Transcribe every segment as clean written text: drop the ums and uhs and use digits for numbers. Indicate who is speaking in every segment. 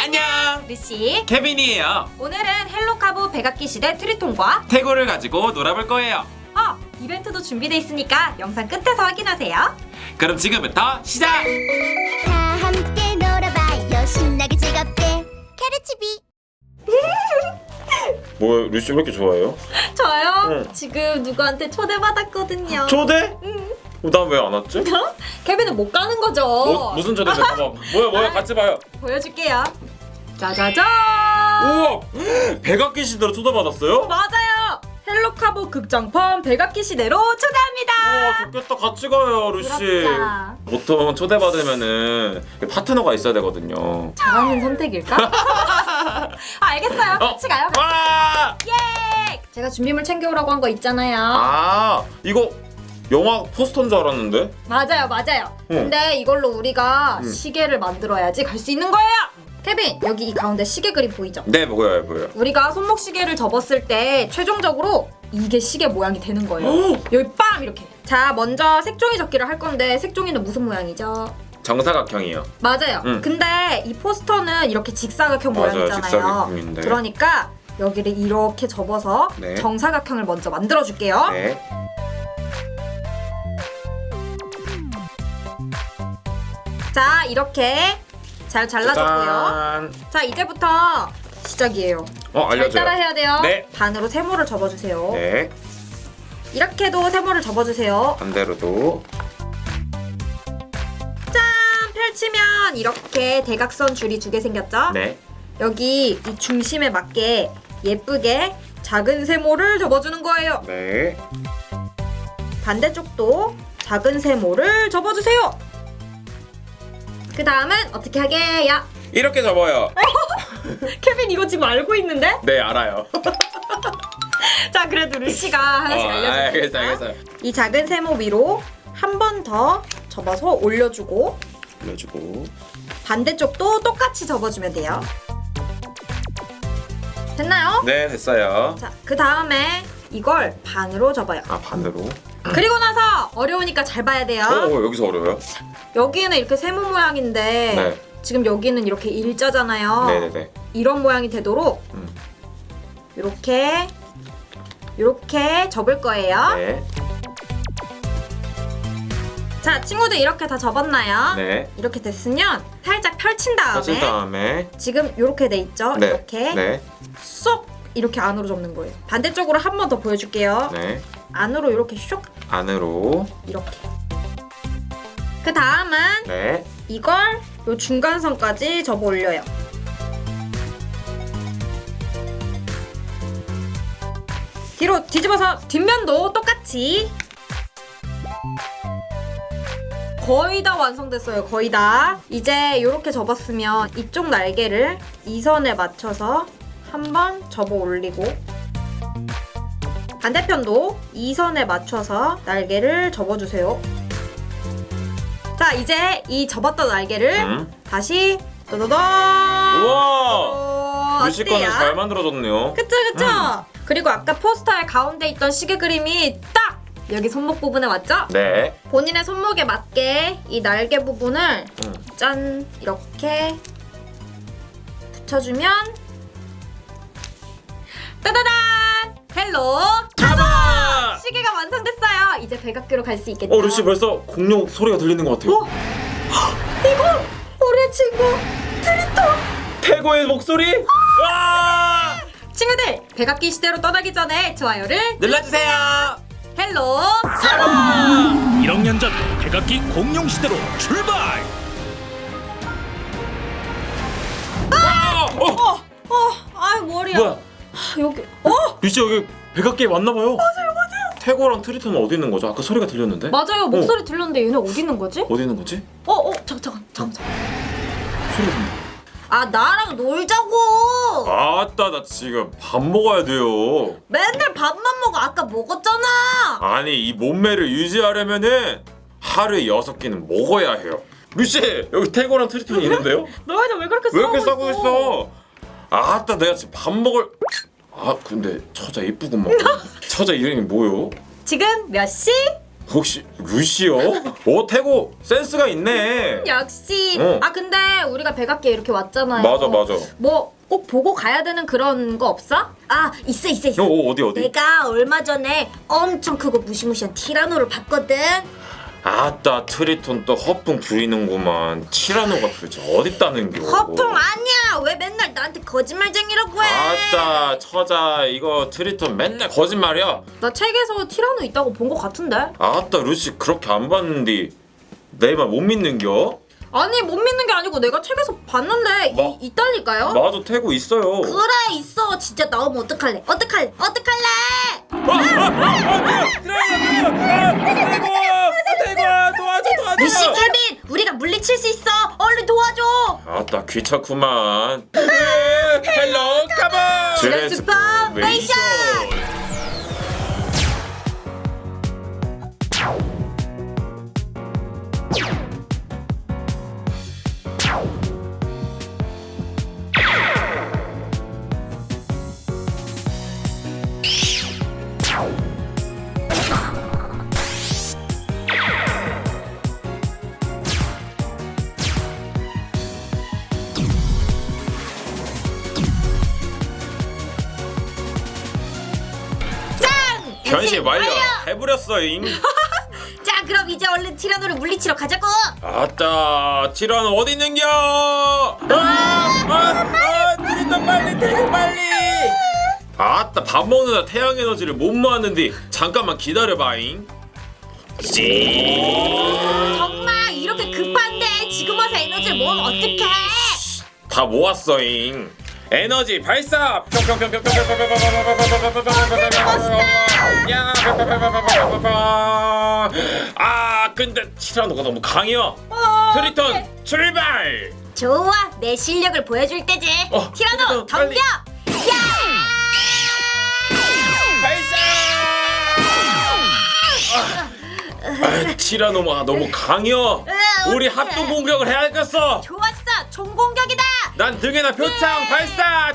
Speaker 1: 안녕,
Speaker 2: 루시.
Speaker 1: 케빈이에요.
Speaker 2: 오늘은 헬로카보 백악기 시대 트리톤과
Speaker 1: 태고를 가지고 놀아볼 거예요.
Speaker 2: 이벤트도 준비돼 있으니까 영상 끝에서 확인하세요.
Speaker 1: 그럼 지금부터 시작!
Speaker 3: 다 함께 놀아봐요 신나게 즐겁게 캐르치비.
Speaker 4: 뭐야, 루시 왜 이렇게 좋아해요?
Speaker 2: 저요?
Speaker 4: 응.
Speaker 2: 지금 누구한테 초대받았거든요.
Speaker 4: 초대?
Speaker 2: 응.
Speaker 4: 난 왜 안 왔지?
Speaker 2: 케빈은 못 가는 거죠.
Speaker 4: 무슨 초대인데? 봐봐. 뭐야, 같이 봐요.
Speaker 2: 보여줄게요. 짜자잔.
Speaker 4: 우와, 백악기 시대로 초대받았어요?
Speaker 2: 맞아요. 헬로카보 극장판 백악기 시대로 초대합니다.
Speaker 4: 우와, 좋겠다. 같이 가요, 루시.
Speaker 2: 부럽다.
Speaker 4: 보통 초대받으면은 파트너가 있어야 되거든요.
Speaker 2: 잘하는 선택일까? 알겠어요. 같이 가요.
Speaker 4: 와!
Speaker 2: 예! 제가 준비물 챙겨오라고 한 거 있잖아요.
Speaker 4: 이거 영화 포스터인 줄 알았는데?
Speaker 2: 맞아요. 근데 이걸로 우리가 시계를 만들어야지 갈 수 있는 거예요. 케빈, 여기 이 가운데 시계 그림 보이죠?
Speaker 4: 네, 보여요.
Speaker 2: 우리가 손목 시계를 접었을 때 최종적으로 이게 시계 모양이 되는 거예요. 여기 빰 이렇게. 자, 먼저 색종이 접기를 할 건데 색종이는 무슨 모양이죠?
Speaker 4: 정사각형이요.
Speaker 2: 맞아요. 근데 이 포스터는 이렇게 직사각형
Speaker 4: 맞아요,
Speaker 2: 모양이잖아요.
Speaker 4: 직사각형인데.
Speaker 2: 그러니까 여기를 이렇게 접어서
Speaker 4: 네.
Speaker 2: 정사각형을 먼저 만들어 줄게요.
Speaker 4: 네.
Speaker 2: 자, 이렇게 잘 잘라줬고요.
Speaker 4: 짠.
Speaker 2: 자, 이제부터 시작이에요. 잘
Speaker 4: 알려줘요.
Speaker 2: 따라 해야 돼요.
Speaker 4: 네.
Speaker 2: 반으로 세모를 접어주세요.
Speaker 4: 네.
Speaker 2: 이렇게도 세모를 접어주세요.
Speaker 4: 반대로도.
Speaker 2: 짠! 펼치면 이렇게 대각선 줄이 2개 생겼죠?
Speaker 4: 네.
Speaker 2: 여기 이 중심에 맞게 예쁘게 작은 세모를 접어주는 거예요.
Speaker 4: 네.
Speaker 2: 반대쪽도 작은 세모를 접어주세요. 그 다음은 어떻게 하게요?
Speaker 4: 이렇게 접어요.
Speaker 2: 케빈 이거 지금 알고 있는데?
Speaker 4: 네, 알아요.
Speaker 2: 자, 그래도 루시가 하나씩 알려줄게요.
Speaker 4: 알겠어요.
Speaker 2: 이 작은 세모 위로 한 번 더 접어서 올려주고
Speaker 4: 올려주고.
Speaker 2: 반대쪽도 똑같이 접어주면 돼요. 됐나요?
Speaker 4: 네, 됐어요.
Speaker 2: 자, 그 다음에 이걸 반으로 접어요.
Speaker 4: 반대로.
Speaker 2: 그리고 나서 어려우니까 잘 봐야 돼요.
Speaker 4: 여기서 어려워요?
Speaker 2: 여기는 이렇게 세모 모양인데
Speaker 4: 네.
Speaker 2: 지금 여기는 이렇게 일자잖아요.
Speaker 4: 네네네.
Speaker 2: 이런 모양이 되도록
Speaker 4: 음.
Speaker 2: 이렇게 접을 거예요.
Speaker 4: 네.
Speaker 2: 자, 친구들 이렇게 다 접었나요?
Speaker 4: 네.
Speaker 2: 이렇게 됐으면 살짝 펼친 다음에
Speaker 4: 펼친 다음에.
Speaker 2: 지금 이렇게 돼 있죠?
Speaker 4: 네.
Speaker 2: 이렇게
Speaker 4: 네.
Speaker 2: 쏙 이렇게 안으로 접는 거예요. 반대쪽으로 한 번 더 보여줄게요.
Speaker 4: 네.
Speaker 2: 안으로 이렇게 쇽
Speaker 4: 안으로.
Speaker 2: 이렇게. 그 다음은
Speaker 4: 네.
Speaker 2: 이걸 요 중간선까지 접어 올려요. 뒤로 뒤집어서 뒷면도 똑같이. 거의 다 완성됐어요. 거의 다. 이제 이렇게 접었으면 이쪽 날개를 이 선에 맞춰서 한번 접어 올리고 반대편도 이 선에 맞춰서 날개를 접어주세요. 자, 이제 이 접었던 날개를 다시 또도도.
Speaker 4: 우와! 루시 거는
Speaker 2: 어때요?
Speaker 4: 잘 만들어졌네요.
Speaker 2: 그쵸. 그리고 아까 포스터의 가운데 있던 시계 그림이 딱 여기 손목 부분에 맞죠?
Speaker 4: 네.
Speaker 2: 본인의 손목에 맞게 이 날개 부분을 짠 이렇게 붙여주면 따다단! 헬로
Speaker 4: 잡아!
Speaker 2: 시계가 완성됐어요. 이제 백악기로 갈 수 있겠죠?
Speaker 4: 루시 벌써 공룡 소리가 들리는 것 같아요.
Speaker 2: 이거 우리 친구 트리톤.
Speaker 4: 태고의 목소리? 와!
Speaker 2: 친구들, 백악기 시대로 떠나기 전에 좋아요를
Speaker 4: 눌러주세요.
Speaker 2: 헬로
Speaker 5: 1억 년 전 백악기 공룡 시대로 출발!
Speaker 2: 아유 머리야.
Speaker 4: 뭐야?
Speaker 2: 여기
Speaker 4: 루시 여기 백악기에 왔나봐요. 맞아요. 태고랑 트리톤은 어디 있는 거죠? 아까 소리가 들렸는데?
Speaker 2: 맞아요. 목소리 들렸는데 얘네 어디 있는 거지?
Speaker 4: 어디 있는 거지?
Speaker 2: 잠깐.
Speaker 4: 소리가 들려.
Speaker 2: 아, 나랑 놀자고.
Speaker 4: 아따, 나 지금 밥 먹어야 돼요.
Speaker 2: 맨날 밥만 먹어. 아까 먹었잖아.
Speaker 4: 아니, 이 몸매를 유지하려면은 하루에 6끼는 먹어야 해요. 루시, 여기 태고랑 트리톤이 있는데요?
Speaker 2: 너희들 왜 그렇게
Speaker 4: 왜 이렇게 싸고 있어? 아따, 내가 지금 밥 먹을. 근데 처자 이쁘구만. 처자 이름이 뭐요?
Speaker 2: 지금 몇 시?
Speaker 4: 혹시 루시요? 오 태고 센스가 있네.
Speaker 2: 역시.
Speaker 4: 어.
Speaker 2: 아 근데 우리가 백악기에 이렇게 왔잖아요.
Speaker 4: 맞아.
Speaker 2: 뭐 꼭 보고 가야 되는 그런 거 없어?
Speaker 3: 아 있어.
Speaker 4: 어디?
Speaker 3: 내가 얼마 전에 엄청 크고 무시무시한 티라노를 봤거든.
Speaker 4: 아따 트리톤 또 허풍 부리는구만. 티라노가 도대체 어딨다는겨.
Speaker 3: 허풍 아니야. 왜 맨날 나한테 거짓말쟁이라고 해?
Speaker 4: 아따 처자 이거 트리톤 맨날 거짓말이야.
Speaker 2: 나 책에서 티라노 있다고 본 거 같은데.
Speaker 4: 아따 루시 그렇게 안 봤는데 내 말 못 믿는겨?
Speaker 2: 아니 못 믿는 게 아니고 내가 책에서 봤는데
Speaker 4: 뭐?
Speaker 2: 있다니까요.
Speaker 4: 나도 태고 있어요.
Speaker 3: 그래 있어. 진짜 나오면 어떡할래?
Speaker 4: 태고야 도와줘.
Speaker 3: 루시 케빈 우리가 물리칠 수 있어. 얼른 도와줘.
Speaker 4: 아따 귀찮구만. 헬로 카본.
Speaker 3: 트랜스포메이션.
Speaker 4: 변신 완료. 해버렸어잉.
Speaker 3: 자 그럼 이제 얼른 티라노를 물리치러 가자고.
Speaker 4: 아따 티라노 어디 있는겨? 트리톤 빨리 태고 빨리. 아따 밥 먹느라 태양 에너지를 못 모았는데 잠깐만 기다려봐잉.
Speaker 3: 정말 이렇게 급한데 지금 와서 에너지를 모으면 어떡해?
Speaker 4: 다 모았어잉. 에너지 발사. 아 근데 티라노가 너무 강해요. 트리톤 출발.
Speaker 3: 좋아 내 실력을 보여줄 때지. 티라노
Speaker 4: 트리톤, 빨리.
Speaker 3: 덤벼.
Speaker 4: 발사. 티라노가 너무 강해요. 우리 합동 공격을 해야겠어.
Speaker 3: 좋았어 총공격이다.
Speaker 4: 난 등에나 표창 발사.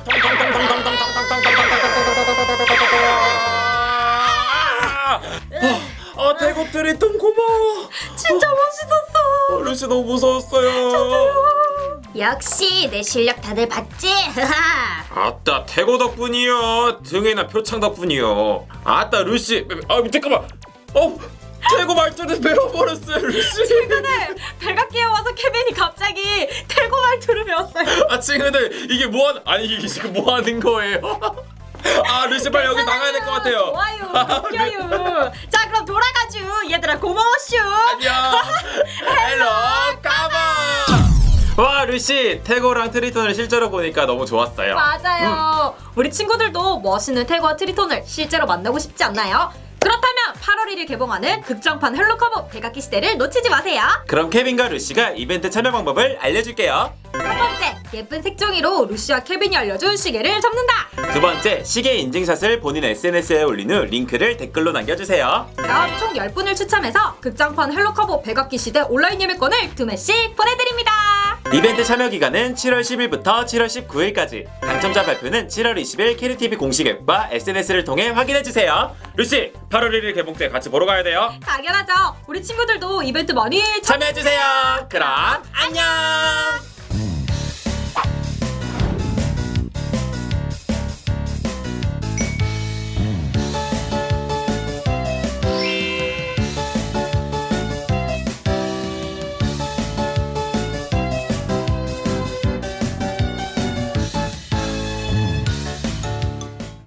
Speaker 4: 태고 트리톤 고마워.
Speaker 2: 진짜 멋있었어.
Speaker 4: 루시 너무 무서웠어요.
Speaker 3: 역시 내 실력 다들 봤지?
Speaker 4: 아따 태고 덕분이요. 등에나 표창 덕분이요. 아따 루시. 잠깐만. 태고 말투를 배워버렸어요 루시.
Speaker 2: 최근에 백악기에 와서 케빈이 갑자기 태고 말투를 배웠어요.
Speaker 4: 친구들 이게 아니 이게 지금 뭐 하는 거예요? 루시 빨리 여기 나가야 될 것 같아요.
Speaker 2: 좋아요. 웃겨요. 자 그럼 돌아가죠. 얘들아 고마워쇼.
Speaker 4: 안녕. 헬로 까만. 와 루시 태고랑 트리톤을 실제로 보니까 너무 좋았어요.
Speaker 2: 맞아요. 우리 친구들도 멋있는 태고와 트리톤을 실제로 만나고 싶지 않나요? 그렇다면 8월 1일 개봉하는 극장판 헬로카보 백악기 시대를 놓치지 마세요.
Speaker 1: 그럼 케빈과 루시가 이벤트 참여 방법을 알려줄게요.
Speaker 2: 첫 번째, 예쁜 색종이로 루시와 케빈이 알려준 시계를 접는다.
Speaker 1: 두 번째, 시계 인증샷을 본인 SNS에 올린 후 링크를 댓글로 남겨주세요.
Speaker 2: 그럼 총 10분을 추첨해서 극장판 헬로카보 백악기 시대 온라인 예매권을 2매씩 보내드립니다.
Speaker 1: 이벤트 참여 기간은 7월 10일부터 7월 19일까지. 당첨자 발표는 7월 20일 캐리TV 공식 앱과 SNS를 통해 확인해주세요.
Speaker 4: 루시 8월 1일 개봉 때 같이 보러 가야 돼요.
Speaker 2: 당연하죠. 우리 친구들도 이벤트 많이
Speaker 1: 참여해주세요. 그럼 안녕.